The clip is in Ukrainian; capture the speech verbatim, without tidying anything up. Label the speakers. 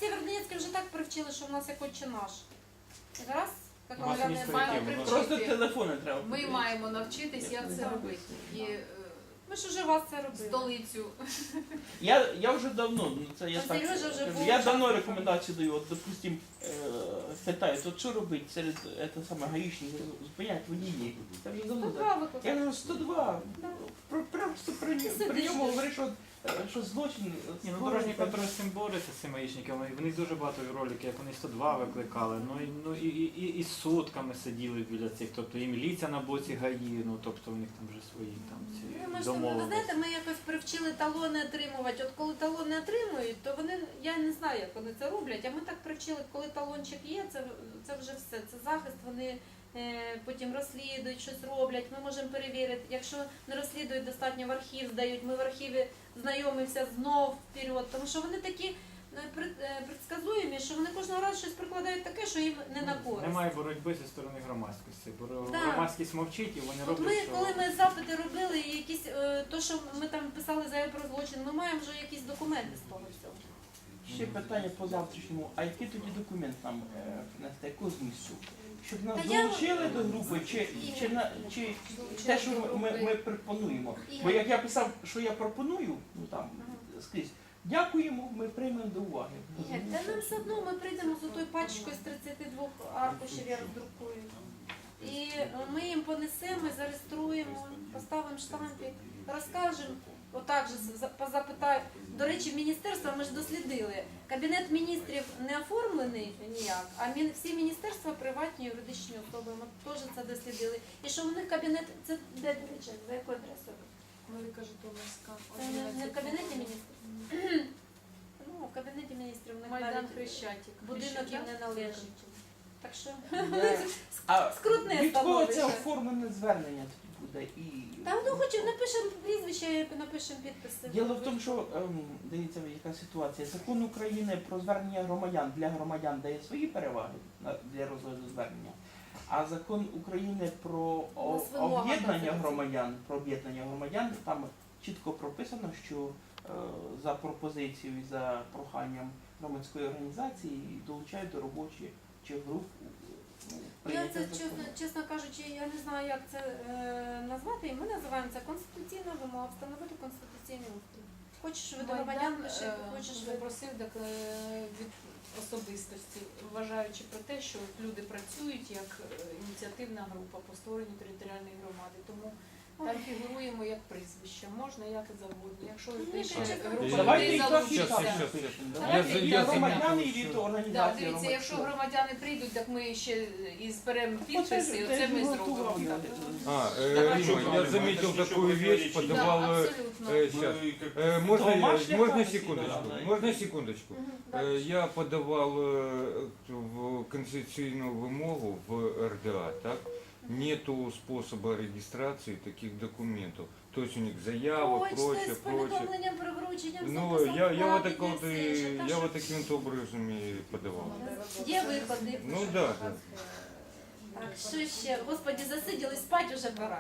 Speaker 1: Сєвєродонецьке вже так привчили, що в нас як отче наш. Раз, як
Speaker 2: У вас
Speaker 1: говорять,
Speaker 2: місто
Speaker 1: маємо
Speaker 2: яке?
Speaker 1: привчити.
Speaker 2: Воно-
Speaker 3: Просто телефони треба.
Speaker 4: Ми
Speaker 3: подивитися.
Speaker 4: маємо навчитись, як це робити. І е,
Speaker 1: Ми ж уже вас це робили.
Speaker 4: столицю.
Speaker 3: Я, я вже давно, ну це я
Speaker 1: Там
Speaker 3: так
Speaker 1: Сережа вже
Speaker 3: кажу,
Speaker 1: був
Speaker 3: я
Speaker 1: час.
Speaker 3: давно рекомендацію даю, от, допустим, е, питають, от що робити серед е, те саме гаїчників, зупинять водії. Це вже давно
Speaker 1: Тут
Speaker 3: так.
Speaker 1: два викликали.
Speaker 3: Я кажу, сто два.
Speaker 1: Да.
Speaker 3: Про- Просто при,
Speaker 1: Ти
Speaker 3: при
Speaker 1: сидиш.
Speaker 3: ньому говориш, що, е, що злочин.
Speaker 2: Ні, ну дорожній контроль з цим бореться, з цими гаїчниками. І в них дуже багато роликів, як вони сто два викликали, ну і, ну, і, і, і, і сутками сиділи біля цих, тобто і міліція на боці ГАІ, ну тобто у них там вже свої там ці
Speaker 1: Ну, ми ж там, ви
Speaker 2: домовленості.
Speaker 1: знаєте, ми якось привчили талони отримувати. От коли талони отримують, то вони, я не знаю, як вони це роблять, а ми так привчили, коли талончик є, це, це вже все, це захист, вони е, потім розслідують, щось роблять, ми можемо перевірити. Якщо не розслідують, достатньо в архів здають, ми в архіві знайомимося знов вперед, тому що вони такі е, пред- е, предсказуємі, що вони кожного разу щось прикладають таке, що їм не на користь.
Speaker 2: Немає боротьби зі сторони громадськості, бо
Speaker 1: Да.
Speaker 2: громадськість мовчить і вони
Speaker 1: От
Speaker 2: роблять,
Speaker 1: ми,
Speaker 2: що...
Speaker 1: коли ми запити робили, і якісь, е, то, що ми там писали заяву про злочин, ми маємо вже якісь документи з того всього.
Speaker 3: Ще питання по завтрашньому. А який тоді документ нам е, принести, якого змісту? Щоб нас
Speaker 1: Та я-
Speaker 3: долучили до групи, чи, чи, на, чи те, що ми, ми, ми пропонуємо? Бо як я писав, що я пропоную, ну там скрізь, дякуємо, ми приймемо до уваги.
Speaker 1: Ігор, та нам все одно ми прийдемо з отою пачкою з тридцяти двох аркушів, я роздрукую. І ми їм понесемо, зареєструємо, поставимо штампик, розкажемо. Отак же за- позапитаю. До речі, міністерства ми ж дослідили. Кабінет міністрів не оформлений ніяк, а мін- всі міністерства приватні юридичні особи. Ми теж це дослідили. І що в них кабінет, це де, до речі, за якою адресою?
Speaker 4: Велика Житомирська.
Speaker 1: Це не, не в кабінеті міністрів? Ну, в кабінеті міністрів в них
Speaker 4: Майдан
Speaker 1: навіть
Speaker 4: Хрещатик.
Speaker 1: будинок їм не належить. Так що
Speaker 3: А
Speaker 1: скрутне
Speaker 3: від кого це
Speaker 1: становище.
Speaker 3: оформлене звернення тоді буде? І...
Speaker 1: Та ну хоч напишемо прізвище, напишемо підписи.
Speaker 3: Діло в тому, що ем, дивіться, яка ситуація. Закон України про звернення громадян для громадян дає свої переваги на- для розгляду звернення. А закон України про о-
Speaker 1: нас вимога
Speaker 3: об'єднання
Speaker 1: там
Speaker 3: громадян, про об'єднання громадян, там чітко прописано, що е, за пропозицією і за проханням громадської організації долучають до робочих чи груп. ну,
Speaker 1: Я
Speaker 3: прийняття
Speaker 1: це
Speaker 3: закону.
Speaker 1: чесно, чесно кажучи, я не знаю, як це е, назвати. І ми називаємо це конституційна вимога, встановити конституційний устрій. Хочеш ви до громадян пиши,
Speaker 4: е,
Speaker 1: хочеш ви.
Speaker 4: запросив так, е, від особистості, вважаючи про те, що люди працюють як е, ініціативна група по створенню територіальної громади. Тому там фігуруємо як прізвище, можна як і завгодно. Якщо
Speaker 1: Ні,
Speaker 4: ти ще
Speaker 1: та чесно,
Speaker 4: група
Speaker 3: Давайте
Speaker 4: людей
Speaker 3: і так, і
Speaker 4: залучиться.
Speaker 3: так
Speaker 2: Щас,
Speaker 3: напишемо.
Speaker 4: щас.
Speaker 3: Давайте
Speaker 4: Я
Speaker 3: і
Speaker 4: за-
Speaker 3: громадяни, і
Speaker 2: я
Speaker 3: від
Speaker 2: за-
Speaker 3: організації.
Speaker 4: Да, дивіться,
Speaker 3: громадських.
Speaker 4: якщо громадяни прийдуть, так ми ще і зберемо
Speaker 3: Оце
Speaker 4: підписи,
Speaker 3: ж-
Speaker 4: і
Speaker 3: це
Speaker 4: оце
Speaker 3: ж
Speaker 4: ми
Speaker 3: готував
Speaker 4: зробимо.
Speaker 3: я.
Speaker 5: А, э,
Speaker 4: Давай.
Speaker 5: Рима, я заметил такую вещь,
Speaker 4: Так,
Speaker 5: подавал... э,
Speaker 4: абсолютно.
Speaker 5: э, щас. Э, можно, я-
Speaker 3: Домашняя
Speaker 5: можно
Speaker 3: память,
Speaker 5: секундочку?
Speaker 3: да, да.
Speaker 5: Можно секундочку?
Speaker 1: Мгм,
Speaker 5: Э,
Speaker 1: дальше.
Speaker 5: Я подавал э, в конституционную вымогу в эр дэ а, так? Нету способа регистрации таких документов. То есть у них заява,
Speaker 1: Почта
Speaker 5: прочее,
Speaker 1: з
Speaker 5: прочее.
Speaker 1: повідомленням про врученням
Speaker 5: Ну,
Speaker 1: записом
Speaker 5: я, я, вот
Speaker 1: вкладення,
Speaker 5: так вот,
Speaker 1: все
Speaker 5: и-
Speaker 1: інше. Та
Speaker 5: я
Speaker 1: що?
Speaker 5: вот таким вот образом и подавал.
Speaker 1: Є виходи.
Speaker 5: Ну да, да.
Speaker 1: Так, що ще? Господи, засиділи, спать уже пора.